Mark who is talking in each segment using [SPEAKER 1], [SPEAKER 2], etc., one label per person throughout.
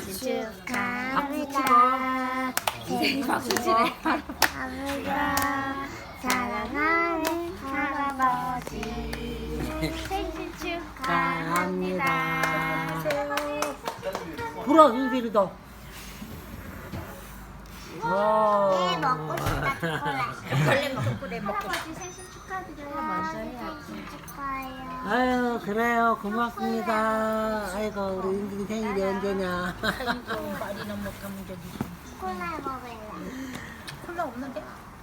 [SPEAKER 1] 축하합니다. 생일
[SPEAKER 2] 박수 치래.
[SPEAKER 1] 축하합니다. 사랑하는 할아버지 생일 축하합니다.
[SPEAKER 3] 불어 윤슬이도. 와.
[SPEAKER 1] 먹고 싶다 초콜릿.
[SPEAKER 2] 원래 초콜릿 먹고
[SPEAKER 1] 할아버지 생일 축하드려요. 먼저 해야지. 생일 축하해요.
[SPEAKER 3] 아유 그래요 고맙습니다. 아이고 우리 윤슬이 생일이 언제냐.
[SPEAKER 2] 아이고 말이나 못하면 저기
[SPEAKER 1] 콜라 먹을래.
[SPEAKER 2] 콜라 없는데?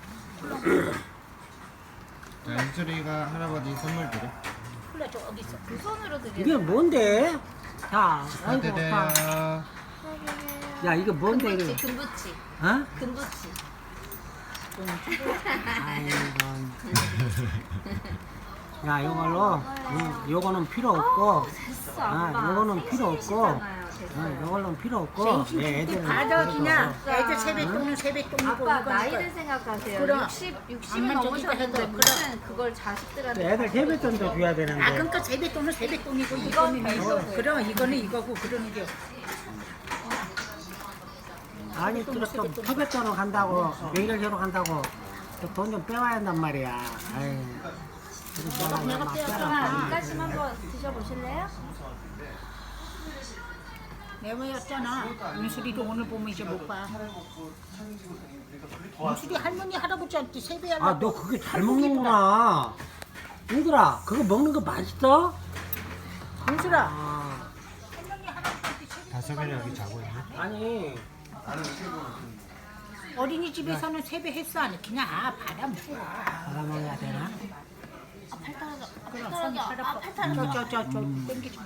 [SPEAKER 4] 자, 윤슬이가 할아버지 선물 드려.
[SPEAKER 2] 콜라 저 어디 있어? 두 손으로 드려.
[SPEAKER 3] 이게 뭔데? 자 아이고 자.
[SPEAKER 4] 축하드려요.
[SPEAKER 3] 야 이게 뭔데 이거?
[SPEAKER 2] 금부치.
[SPEAKER 3] 어?
[SPEAKER 2] 금부치.
[SPEAKER 3] 아이고. 야 이걸로 요거는 필요 없고
[SPEAKER 2] 됐어.
[SPEAKER 3] 요거는 필요 없고 요걸로는 필요 없고 애들은
[SPEAKER 2] 받아 그냥.
[SPEAKER 3] 그래서.
[SPEAKER 2] 애들 세뱃돈은 세뱃돈이고
[SPEAKER 5] 아빠
[SPEAKER 2] 이건
[SPEAKER 5] 나이를
[SPEAKER 2] 이거.
[SPEAKER 5] 생각하세요.
[SPEAKER 2] 그럼.
[SPEAKER 5] 60은
[SPEAKER 2] 암만
[SPEAKER 5] 넘으셨는데
[SPEAKER 2] 저기도
[SPEAKER 5] 무슨 그걸 자식들한테
[SPEAKER 3] 애들 세뱃돈도 줘야 되는데
[SPEAKER 2] 아 그러니까 세뱃돈은 세뱃돈이고 이거는 이거. 그럼 이거는 이거고 그러는 게.
[SPEAKER 3] 아니 또 세뱃돈을 간다고 명절제로 간다고 돈 좀 빼와야 한단 말이야. 아이.
[SPEAKER 2] 내가 빼왔잖아.
[SPEAKER 5] 이까심 한번 드셔보실래요?
[SPEAKER 2] 내외였잖아. 윤수리도 오늘 보면 이제 못 봐. 윤수리 할머니 할아버지한테 세배하려고.
[SPEAKER 3] 아 너 그게 잘 먹는구나. 얘들아 그거 먹는 거 맛있어?
[SPEAKER 2] 윤수라.
[SPEAKER 3] 아,
[SPEAKER 4] 다솜이는 여기 자고 있네.
[SPEAKER 3] 아니
[SPEAKER 2] 어린이집에서는 세배했어 안 해? 그냥 받아 먹어.
[SPEAKER 3] 받아먹어야 되나?
[SPEAKER 2] 그럼 손이 팔 아파. 저저저 땡기지 마.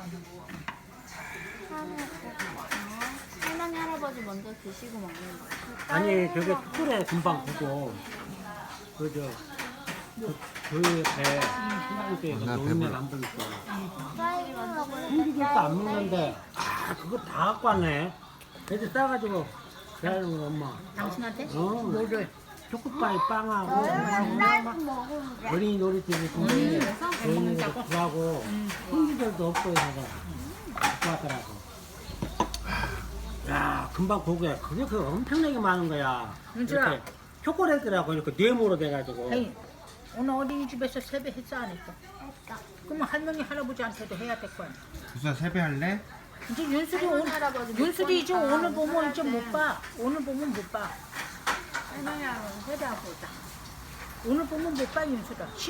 [SPEAKER 5] 할머니 할아버지 먼저 드시고 먹는 거예요.
[SPEAKER 3] 아니 저게 초콜릿 금방 구고 그저 교회 배 신랑교회에서
[SPEAKER 4] 나
[SPEAKER 3] 노인네
[SPEAKER 4] 배불러.
[SPEAKER 3] 남들 있어.
[SPEAKER 1] 딸기 먹을래.
[SPEAKER 3] 한기도 안 먹는데 그거 다 갖고 왔네. 애들 싸가지고 대하는 거 엄마.
[SPEAKER 2] 당신한테?
[SPEAKER 3] 어.
[SPEAKER 2] 뭐를?
[SPEAKER 3] 초코파이 빵하고
[SPEAKER 1] 딸기 먹을래.
[SPEAKER 3] 어린이 놀이터에 있는데 어린이들 구하고 hin기들도 없고 해서 갖고 왔더라고. 야 금방 고개 그게 그 엄청나게 많은 거야.
[SPEAKER 2] 윤주야.
[SPEAKER 3] 이렇게 초콜릿이라고 이렇게 네모로 돼가지고.
[SPEAKER 2] 에이, 오늘 어린이집에서 세배했어 안 했어? 그러면 할머니 할아버지한테도 해야 될 거야.
[SPEAKER 4] 구사 세배할래?
[SPEAKER 2] 이제 윤수리 오늘
[SPEAKER 5] 할아버지 못
[SPEAKER 2] 윤수리 이제
[SPEAKER 5] 보니까
[SPEAKER 2] 오늘 보면 이제 못 봐. 오늘 보면 못 봐.
[SPEAKER 5] 할머니 할아버지 세배하고 있다.
[SPEAKER 2] 오늘 보면 못 봐 윤수라.